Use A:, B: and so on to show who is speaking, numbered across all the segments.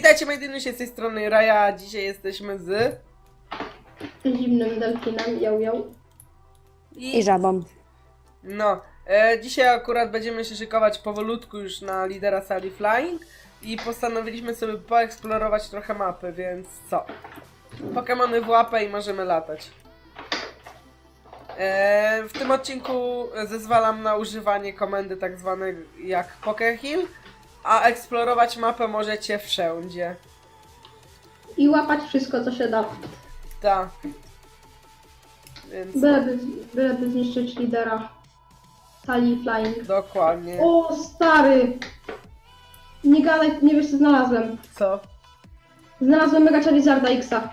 A: Witajcie moi dynusie, z tej strony Raja, dzisiaj jesteśmy z...
B: Zimnym delfinem, ją.
C: I żabą.
A: No, dzisiaj akurat będziemy się szykować powolutku już na lidera sali Flying i postanowiliśmy sobie poeksplorować trochę mapy, więc co? Pokemony w łapę i możemy latać. W tym odcinku zezwalam na używanie komendy tak zwanej jak Pokeheal, a eksplorować mapę możecie wszędzie.
B: I łapać wszystko, co się da.
A: Tak. Więc
B: Byleby zniszczyć lidera sali Flying.
A: dokładnie.
B: O, stary! Nie gadaj, nie wiesz co znalazłem.
A: Co?
B: Znalazłem Mega Charizarda Xa.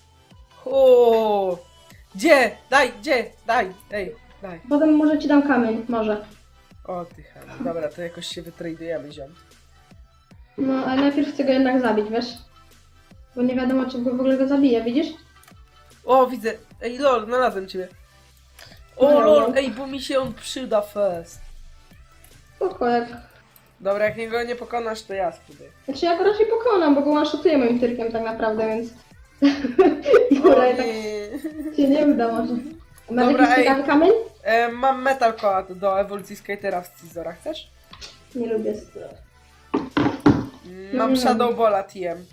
A: O, gdzie? Daj! Ej, daj.
B: Potem może ci dam kamień, może.
A: O ty chamy. Dobra, to jakoś się wytradujemy, ziom.
B: No, ale najpierw chcę go jednak zabić, wiesz? Bo nie wiadomo, czy w ogóle go zabije, widzisz?
A: O, widzę. Ej, lol, znalazłem ciebie. O,
B: No,
A: lol,
B: no.
A: ej, bo mi się on przyda fest.
B: Spoko, jak...
A: Dobra, jak go nie pokonasz, to ja spróbuję.
B: Znaczy ja go raczej pokonam, bo go one-shotuję moim tyrkiem tak naprawdę, więc...
A: O,
B: Dobra, tak
A: nie.
B: się nie uda może. Masz
A: Dobra,
B: jakiś
A: ej.
B: ciekawy kamień?
A: Mam Metal Coat do ewolucji Skatera w Scizora, chcesz?
B: Nie lubię.
A: Mam Shadow Balla TM.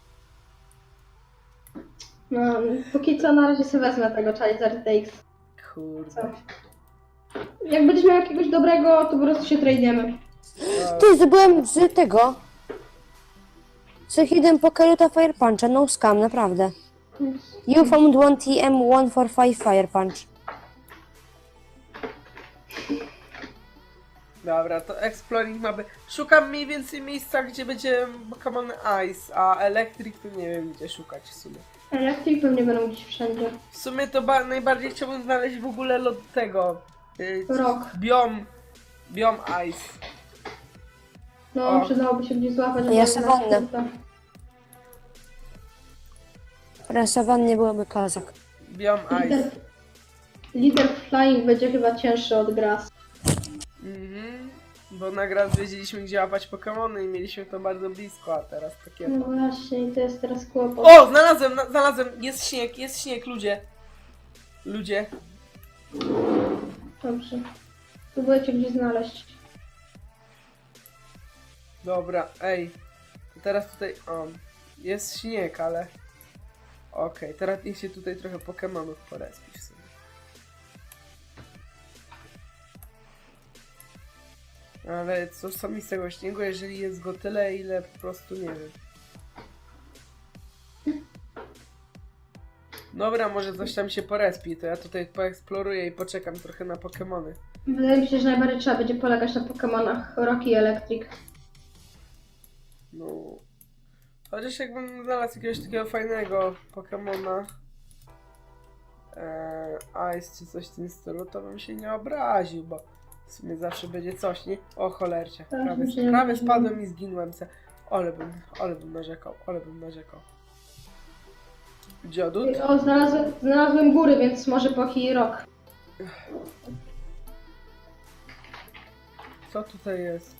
B: No, póki co na razie sobie wezmę tego Charizard X.
A: Kurde.
B: Jak będziesz miał jakiegoś dobrego, to po prostu się tradujemy.
C: Ty, zdobyłem z tego. Z Hidden Pokeruta Fire Puncha, no scam, naprawdę. You found one TM145 Fire Punch.
A: Dobra, to exploring mapy. Szukam mniej więcej miejsca, gdzie będzie Pokémon Ice, a Electric to nie wiem gdzie szukać w sumie.
B: Electric pewnie będą gdzieś wszędzie.
A: W sumie to najbardziej chciałbym znaleźć w ogóle lot tego.
B: Rock.
A: Biom Ice.
B: No,
A: O.
B: przydałoby się gdzieś złapać.
C: Ja
B: ale
C: sawannę.
B: na-
C: Rasowannie byłoby kozak.
A: Biom Ice.
B: Lider Flying będzie chyba cięższy od Grass.
A: Mhm. Bo na grę wiedzieliśmy gdzie łapać Pokémony i mieliśmy to bardzo blisko, a teraz takie.
B: No właśnie, i to jest teraz kłopot.
A: O! Znalazłem! Jest śnieg, ludzie. Ludzie.
B: Dobrze. Próbujecie gdzieś znaleźć.
A: Dobra, ej. To teraz tutaj. O, jest śnieg, ale. Okej, teraz niech się tutaj trochę Pokemonów porespi w sumie. Ale co mi z tego śniegu, jeżeli jest go tyle, ile po prostu nie wiem. Dobra, może coś tam się porespi, to ja tutaj poeksploruję i poczekam trochę na Pokemony.
B: Wydaje mi się, że najbardziej trzeba będzie polegać na Pokemonach Rock i Electric.
A: No. Chociaż jakbym znalazł jakiegoś takiego fajnego Pokemona Ice czy coś w tym stylu, to bym się nie obraził, bo w sumie zawsze będzie coś, nie? O cholercie,
B: Tak,
A: prawie
B: myślałem, że-
A: spadłem i zginąłem se. Ale bym narzekał. Dziodut?
B: O, znalazłem góry, więc może Poki Rock.
A: Co tutaj jest?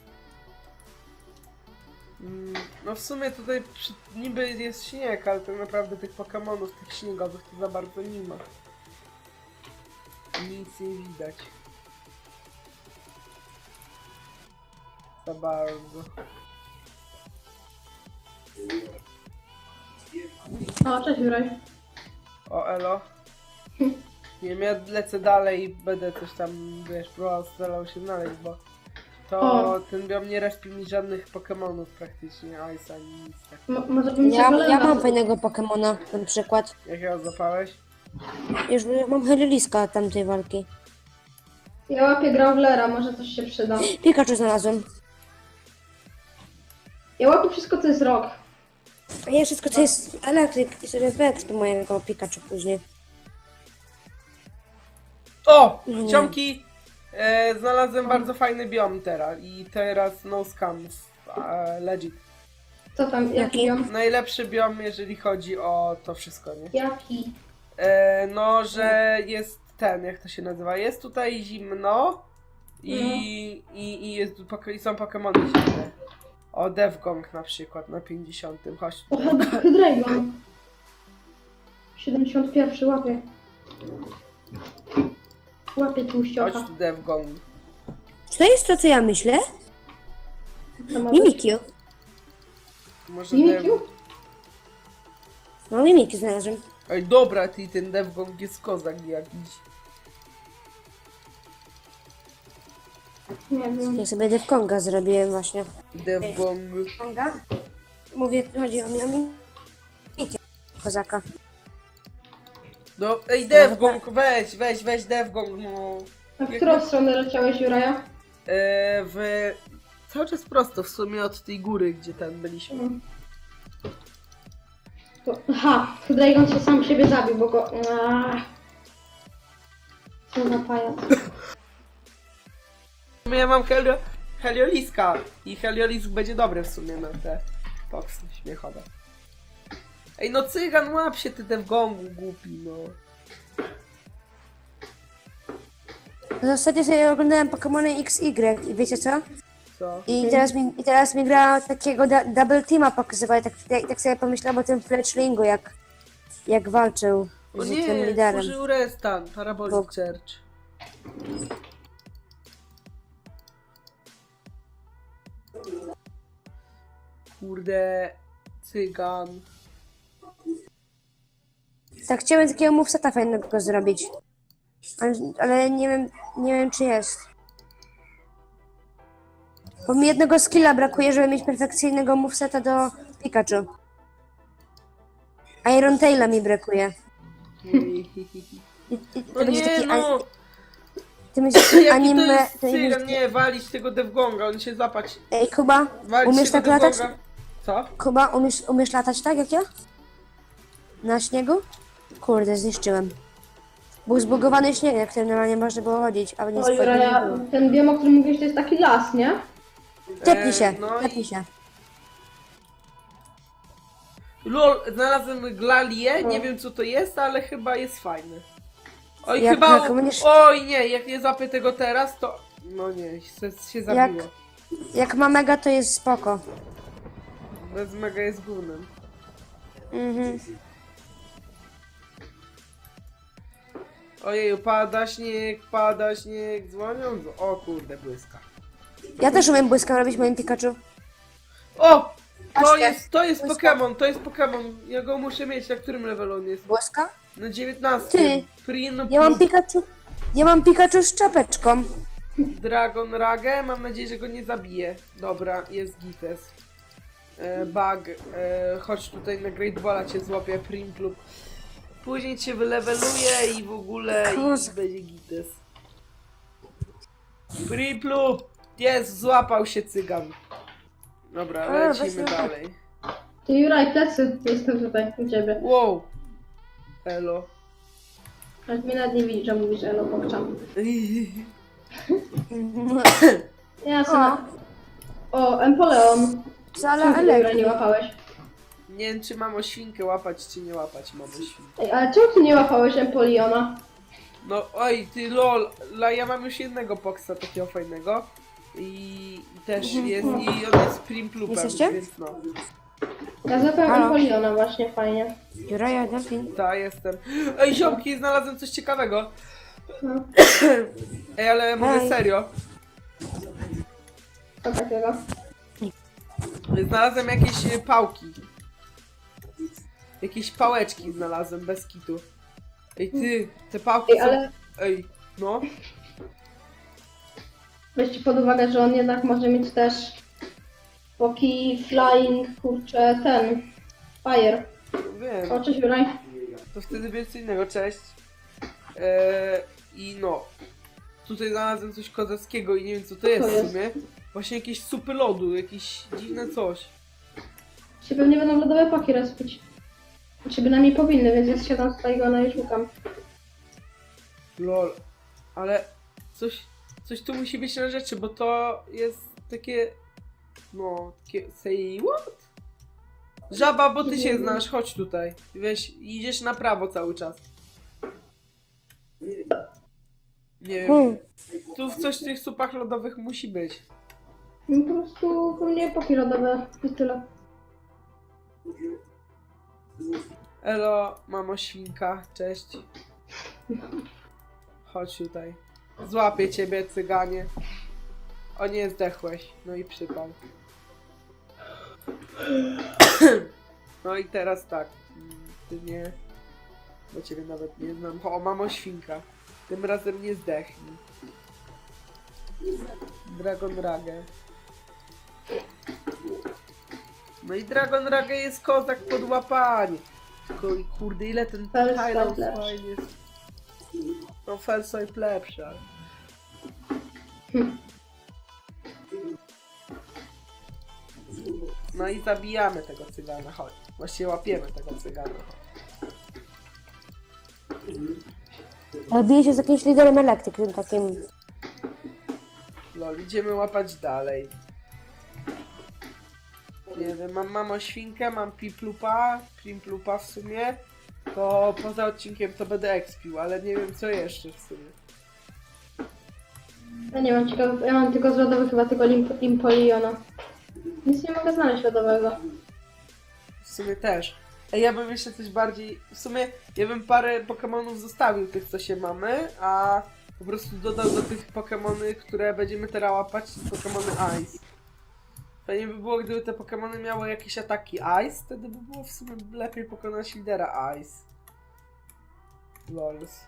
A: No w sumie tutaj niby jest śnieg, ale tak naprawdę tych Pokemonów, tych śniegowych to za bardzo nie ma. Nic nie widać. Za bardzo.
B: O, cześć Juraj.
A: O elo. Nie wiem, ja lecę dalej i będę coś tam, wiesz, próbował starał się znaleźć, bo to
B: O.
A: ten biom nie respi mi żadnych Pokemonów praktycznie, Ice ani nic tak.
B: Może bym
C: Ja
B: Golema-
C: mam fajnego Pokemona, na przykład.
A: Jakiego złapałeś?
C: Już mam Helioliska tamtej walki.
B: Ja łapię Gravelera, może coś się przyda.
C: Pikachu znalazłem.
B: Ja łapię wszystko, co jest Rock.
C: A ja wszystko co jest elektryk i sobie wyekspię mojego Pikachu później.
A: O!
C: Nie.
A: Ciomki! Znalazłem bardzo fajny biom teraz no scams. Legit.
B: Co tam, jaki
C: Jaki?
B: biom?
A: Najlepszy biom, jeżeli chodzi o to wszystko, nie?
B: Jaki?
A: No, że jest ten, jak to się nazywa? Jest tutaj zimno i są Pokemony zimne. O, Devgong na przykład na 50. Chodź
B: O,
A: tutaj.
B: Hydreigon. 71 łapie. Łapie
A: Chodź
B: tłuściocha.
A: tu, Devgong.
C: Czy to jest to, co ja myślę?
B: Co ma być?
C: Mimikyu.
A: Może
B: Mimikyu?
C: No, Mimikyu znalazłem.
A: Ej, dobra, ty, ten Devgong jest kozak jakiś.
B: Nie wiem.
C: Ja sobie Devkonga zrobiłem właśnie.
A: Devgong.
C: Konga? Mówię, chodzi o mnie o Mimikyu. Kozaka.
A: No, ej, Devgong, weź Devgong, no.
B: A w którą stronę leciałeś, Juraja?
A: W... Cały czas prosto, w sumie od tej góry, gdzie tam byliśmy.
B: Aha, Hydreigon się sam siebie zabił, bo go... Co za pajac.
A: W sumie ja mam Helioliska i Heliolisk będzie dobry w sumie na te toksy śmiechowe. Ej, no cygan, łap się ty Devgongu, głupi, no.
C: Ostatnio sobie oglądałem Pokémony XY i wiecie co?
A: Co?
C: I teraz mi gra takiego double teama pokazywała, tak sobie pomyślałam o tym Fletchlingu, jak walczył
A: O
C: z tym
A: nie,
C: liderem.
A: użył restan, Parabolic
C: Bo-
A: Church. Kurde, cygan.
C: Tak chciałem takiego moveseta fajnego zrobić. Ale nie wiem czy jest. Bo mi jednego skilla brakuje, żeby mieć perfekcyjnego moveseta do Pikachu. Iron Taila mi brakuje. I to
A: No
C: będzie
A: nie,
C: taki
A: no!
C: to będzie taki
A: Jaki to
C: anime.
A: jest
C: To będzie
A: cygan? Nie, walić tego Devgonga, on się zapać.
C: Ej, Kuba,
A: Walić
C: umiesz
A: tego
C: tak latać?
A: Devgonga. Co?
C: Kuba, umiesz latać tak jak ja? Na śniegu? Kurde, zniszczyłem. Był zbugowany śnieg, na którym normalnie można było chodzić, a nie
B: O, Juraja, ten biom, o którym mówisz, to jest taki las, nie?
C: Tepnij się,
A: no i-
C: tepnij się.
A: Lol, znalazłem Glalię,
B: No.
A: nie wiem co to jest, ale chyba jest fajny. Oj,
C: Jak
A: chyba...
C: będziesz-
A: Oj nie, jak nie zapię tego teraz, to... No nie, się zabiło.
C: Jak ma mega, to jest spoko.
A: Bez mega jest gównem.
C: Mhm.
A: Ojeju, pada śnieg, dzwonią... O kurde, błyska.
C: Ja też umiem błyska robić moim Pikachu.
A: O!
C: Patrzcie,
A: To jest
C: błyska.
A: Pokémon, ja go muszę mieć, na którym levelu on jest?
C: Błyska?
A: Na 19.
C: Ty,
A: Frino
C: Ja mam Pikachu z czapeczką.
A: Dragon Rage, mam nadzieję, że go nie zabije. Dobra, jest Gites. Bug, chodź tutaj na Great Balla cię złapię, Primplup. Później cię wyleweluje i w ogóle i będzie Gites. Primplup! Jest, złapał się cygan. Dobra,
C: A,
A: lecimy
C: weź
A: dalej.
B: Ty, Juraj, plecy. Jestem tutaj, u ciebie.
A: Wow! Elo.
B: Aż mnie nawet nie widzi, że mówisz elo, pokczam. Jasne. O, Empoleon.
C: Wcale
B: Czemu ty Juraj nie
C: elektryk.
B: łapałeś?
A: Nie wiem, czy mam o świnkę łapać, czy nie łapać mam o świnkę.
B: Ej, ale czemu ty nie łapałeś Empoleona?
A: No oj, ty lol, ja mam już jednego Poksa takiego fajnego. I też jest, i on jest Primplupem,
C: Jesteście?
A: więc no.
B: Ja złapałem
C: Halo?
B: Empoleona właśnie, fajnie.
C: Juraja, Delfin.
A: Ta, jestem. Ej, ziomki, znalazłem coś ciekawego.
B: No,
A: Ej, ale mówię
C: Hej.
A: serio.
B: co takiego?
A: Znalazłem jakieś pałki. Jakieś pałeczki znalazłem, bez kitu. Ej, ty, te pałki
B: Ej,
A: są...
B: ale
A: Ej, no.
B: weźcie pod uwagę, że on jednak może mieć też Poki, Flying, kurczę, ten, Fire.
A: Wiem.
B: O, cześć Juraj.
A: To wtedy będzie co innego, cześć. I no. Tutaj znalazłem coś kozackiego i nie wiem co to jest
B: Co
A: w
B: jest?
A: sumie. Właśnie jakieś supy lodu, jakieś dziwne coś.
B: Się pewnie będą lodowe paki rozpić. Znaczy bynajmniej powinny, więc ja siadam tutaj go no i szukam.
A: Lol. Ale coś tu musi być na rzeczy, bo to jest takie... No, takie... Say what? Żaba, bo ty się znasz, chodź tutaj. Weź, idziesz na prawo cały czas. Nie wiem. Tu coś w tych supach lodowych musi być.
B: No po prostu u mnie epoki lodowe i tyle.
A: Elo, mamo świnka, cześć. Chodź tutaj. Złapię ciebie, cyganie. O nie, zdechłeś. No i przypał. No i teraz tak. Ty nie... Bo ciebie nawet nie znam. O, mamo świnka. Tym razem nie zdechnij. Dragon Rage. No i Dragon Rage jest kozak pod łapanie. Tylko i kurde, ile ten
B: Felside
A: Highlands
B: lepszy.
A: fajnie jest. No Felside lepszy, ale... No i zabijamy tego cygana, chodź. Właściwie łapiemy tego cygana, chodź.
C: Ale bije się z jakimś liderem elektrycznym takim.
A: Lol, idziemy łapać dalej. Nie wiem, mam mamo świnkę, mam Pimplupa w sumie. To poza odcinkiem to będę expił, ale nie wiem co jeszcze w sumie.
B: Ja nie mam ciekawe, ja mam tylko z lodowych chyba tylko Impoliona. Nic nie mogę znaleźć lodowego.
A: W sumie też. Ej, ja bym jeszcze coś bardziej... W sumie ja bym parę Pokemonów zostawił tych, co się mamy, a po prostu dodał do tych Pokemony, które będziemy teraz łapać, Pokemony Ice. Fajnie by było, gdyby te Pokemony miały jakieś ataki Ice, wtedy by było w sumie lepiej pokonać lidera Ice. Lols.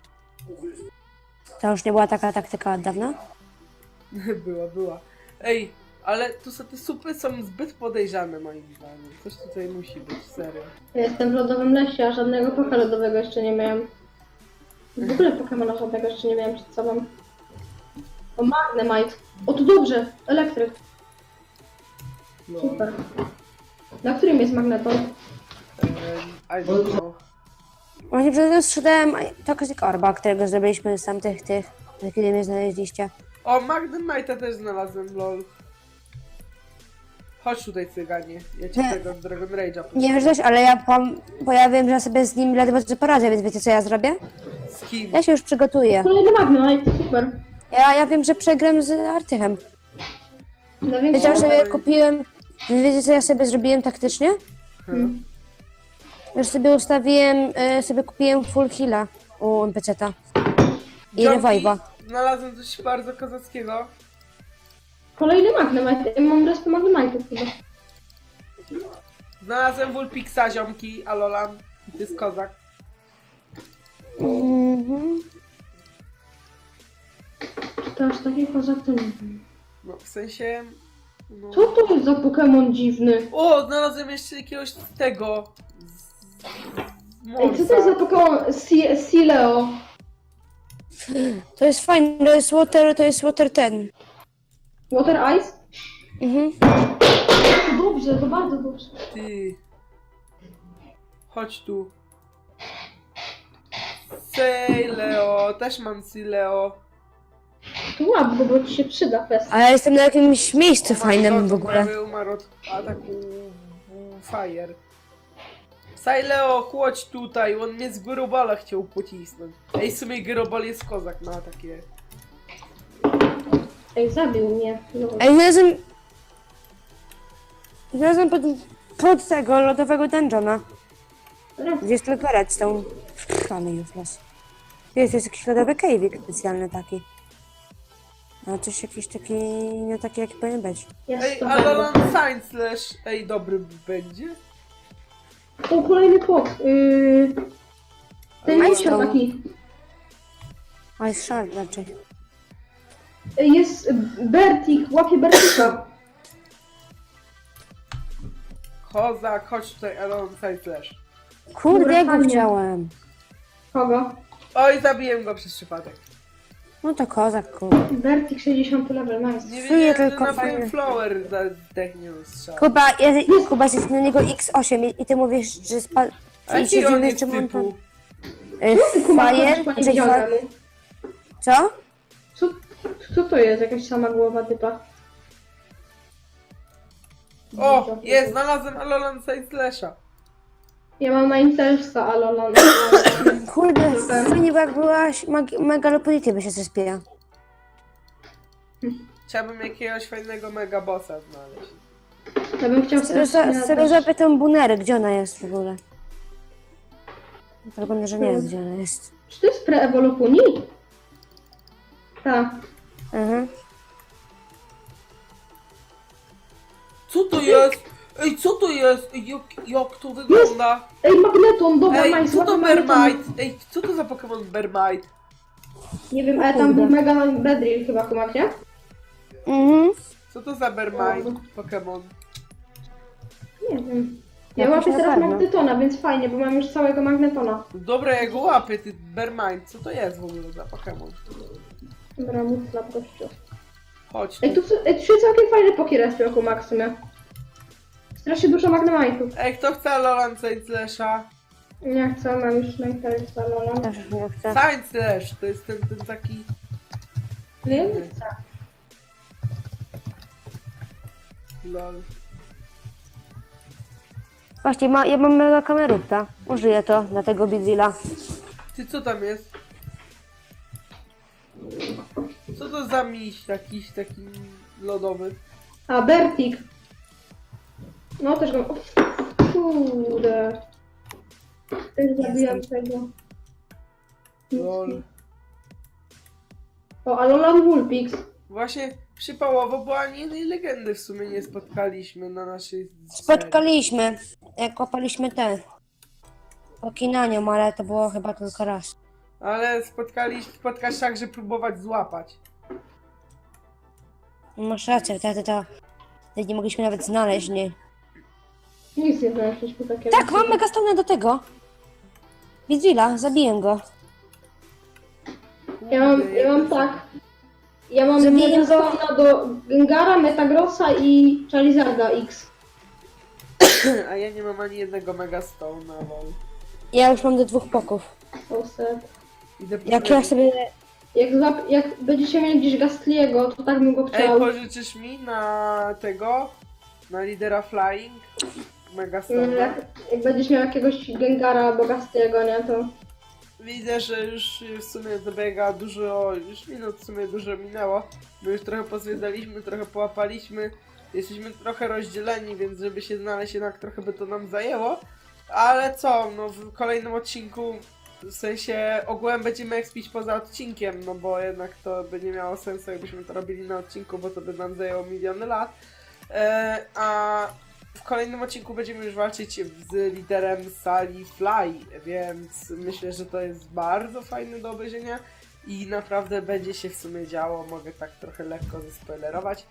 C: To już nie była taka taktyka od dawna?
A: była. Ej, ale tu są te supy są zbyt podejrzane moim zdaniem. Coś tutaj musi być, serio.
B: Ja jestem w lodowym lesie, a żadnego poka lodowego jeszcze nie miałem. W ogóle Pokemona żadnego jeszcze nie miałem przed sobą. O, Magnemite. O, to dobrze. Elektryk.
A: Lol.
B: Super. Na którym jest magneton?
A: I don't know.
C: Właśnie przed chwilą sprzedałem Toxic Orba, którego zrobiliśmy z tamtych kiedy mnie znaleźliście.
A: O, Magnemite'a też znalazłem, lol. Chodź tutaj, cyganie. Ja ci
C: Nie.
A: tego Dragon Rage'a
C: Nie wiesz coś, ale bo ja wiem, że ja sobie z nim ledwo co poradzę, więc wiecie co ja zrobię?
A: z kim?
C: Ja się już przygotuję.
B: Kolejny Magnemite. Super.
C: Ja wiem, że przegram z Artychem.
B: Na
C: Wiedział,
B: większą...
C: że ja kupiłem... Wiecie co ja sobie zrobiłem taktycznie?
A: Hmm.
C: Już sobie ustawiłem, sobie kupiłem full heal'a u NPC-ta. I
A: Jumpy,
C: revive'a.
A: Znalazłem coś bardzo kozackiego.
B: Kolejny Magnemite. Ja mam resztę Magnemite'ów chyba.
A: Znalazłem Vulpixa, ziomki, Alolan. I to jest kozak.
C: Mhm.
B: Czy to aż taki kozak to nie wiem.
A: No, w sensie... No.
B: Co to jest za Pokemon dziwny?
A: O, znalazłem jeszcze jakiegoś tego...
B: Ej, co to jest za Pokemon Sileo?
C: To jest fajne, to jest water ten.
B: Water Ice?
C: Mhm.
B: To dobrze, to bardzo dobrze.
A: Ty... Chodź tu. Leo, też mam Sileo.
B: To łap go, bo ci się przyda fest.
C: A ja jestem na jakimś miejscu fajnym w ogóle.
A: Prawie umarł od ataku Fire. Leo, chodź tutaj, on mnie z Gyrobala chciał pocisnąć. Ej, w sumie Gyrobal jest kozak na takie...
B: Ej, zabił mnie. No.
C: Ej, znalazłem pod tego lodowego dungeona. Gdzie jest tylko redstone. Ale useless. Jest jakiś lodowy cave'ik specjalny taki. A coś jakiś taki, nie taki jaki powinien być.
B: Jest
A: Ej,
B: to
A: Alolan
B: bardzo.
A: Science Slash, ej, dobry będzie?
B: O, kolejny pok. Ten
C: Majstone.
B: musiał taki.
C: Ice Shard raczej.
B: Jest Bertik, łapie Bertika.
A: Kozak, chodź tutaj, Alolan Science Slash.
C: Kurde,
B: Dobra,
C: ja go
B: fajnie.
C: chciałem.
B: Kogo?
A: Oj, zabiłem go przez przypadek.
C: No to kozak, kurde.
B: Bertik 60 level, nice.
A: Nie
C: Czuję
A: wiedziałem, że
C: tylko
A: na
C: fajnie.
A: Flower zdechnie strzał.
C: Kuba jest na niego X8 i ty mówisz, że spadł...
A: A jaki on jest
C: czym on tam...
A: typu?
B: Ty kumasz,
C: Fire?
B: pani
C: Czy
B: widziałem.
C: Co?
B: Co to jest? Jakaś sama głowa typa.
A: O, jest, znalazłem Alolan Science Slasha.
B: Ja mam na Intersa Alolan.
C: Kurde, fajnie, bo jak byłaś Megalopolity by się zespiła.
A: Chciałbym jakiegoś fajnego megabossa znaleźć.
B: Ja bym chciał
C: Sobie zapytam Bunery, gdzie ona jest w ogóle. Wygląda, że nie wiem, gdzie ona jest.
B: Czy to jest pre-ewolopuni? Tak.
C: Mhm.
A: Co to jest? Ej, co to jest? Ej, jak to wygląda?
B: Ej, magneton, dobra,
A: Ej,
B: nice,
A: co to
B: magneton.
A: Bermite? Ej, co to za Pokémon Bermite?
B: Nie wiem, ale tam był mega bedrill chyba, kumak, nie?
C: Mhm.
A: Co to za Bermite Pokémon?
B: Nie wiem. Ja
C: Jakoś
B: łapię
C: na
B: teraz
C: pewno.
B: magnetona, więc fajnie, bo mam już całego magnetona.
A: Dobra, ja go łapię, ty Bermite. Co to jest w ogóle za Pokémon?
B: Dobra, mów dla gościu.
A: Chodź
B: Ej,
A: tu.
B: tu się całkiem fajny pokirespił, kumak w sumie. Strasznie dużo magnemitów.
A: Ej, kto chce Alolan Saint Slasha?
B: Nie chcę, mam już najpierw Lola.
C: Też już nie chcę.
A: Saint Slash, to jest ten taki...
B: Nie chcę.
A: Lol.
C: Właśnie, ja mam mega kamerówka. Użyję to dla tego Bidzilla.
A: Ty, co tam jest? Co to za miś jakiś taki lodowy?
B: A, Bertik. No też go... Kurde. Też zabijam tego.
A: Lol.
B: O, Alolan Vulpix.
A: Właśnie przypałowo, bo ani jednej legendy w sumie nie spotkaliśmy na naszej serii.
C: Spotkaliśmy, jak kopaliśmy te Okinanium, ale to było chyba tylko raz.
A: Ale spotkasz tak, że próbować złapać.
C: Masz rację, wtedy nie mogliśmy nawet znaleźć, nie?
B: Nic nie znaleźliśmy takiego.
C: Tak, mam Megastone do tego. Bidzilla, zabiję go.
B: Ja mam tak. Ja mam
C: Zabiję
B: Megastona do Gengara, Metagrossa i Charizarda X.
A: A ja nie mam ani jednego Megastona, lol.
C: Ja już mam do 2 poków.
B: So sad.
A: Idę
C: Jak ja sobie...
B: Jak będziecie mieli gdzieś Gastliego, to tak bym go
A: Ej,
B: chciał.
A: pożyczysz mi na tego? Na lidera Flying? Megastona?
B: Jak będziesz miał jakiegoś Gengara albo Gastliego, nie, to...
A: Widzę, że już w sumie dobiega dużo, już minut w sumie dużo minęło. My już trochę pozwiedzaliśmy, trochę połapaliśmy. Jesteśmy trochę rozdzieleni, więc żeby się znaleźć jednak trochę by to nam zajęło. Ale co, no w kolejnym odcinku, w sensie ogółem będziemy expić poza odcinkiem, no bo jednak to by nie miało sensu, jakbyśmy to robili na odcinku, bo to by nam zajęło miliony lat. A w kolejnym odcinku będziemy już walczyć z liderem Sally Fly, więc myślę, że to jest bardzo fajne do obejrzenia i naprawdę będzie się w sumie działo, mogę tak trochę lekko zespoilerować.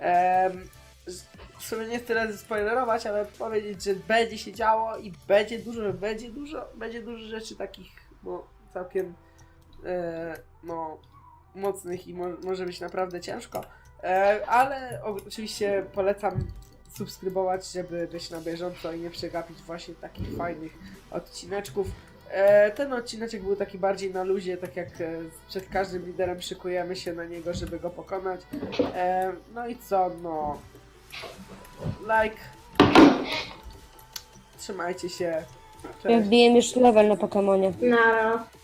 A: W sumie nie tyle zespoilerować, ale powiedzieć, że będzie się działo i będzie dużo rzeczy takich, no całkiem no mocnych i może być naprawdę ciężko. Ale oczywiście polecam subskrybować, żeby być na bieżąco i nie przegapić właśnie takich fajnych odcineczków. Ten odcineczek był taki bardziej na luzie, tak jak przed każdym liderem szykujemy się na niego, żeby go pokonać. No i co, no... Like... Trzymajcie się. Cześć.
C: Wbiję już level na Pokemonie.
B: Nara.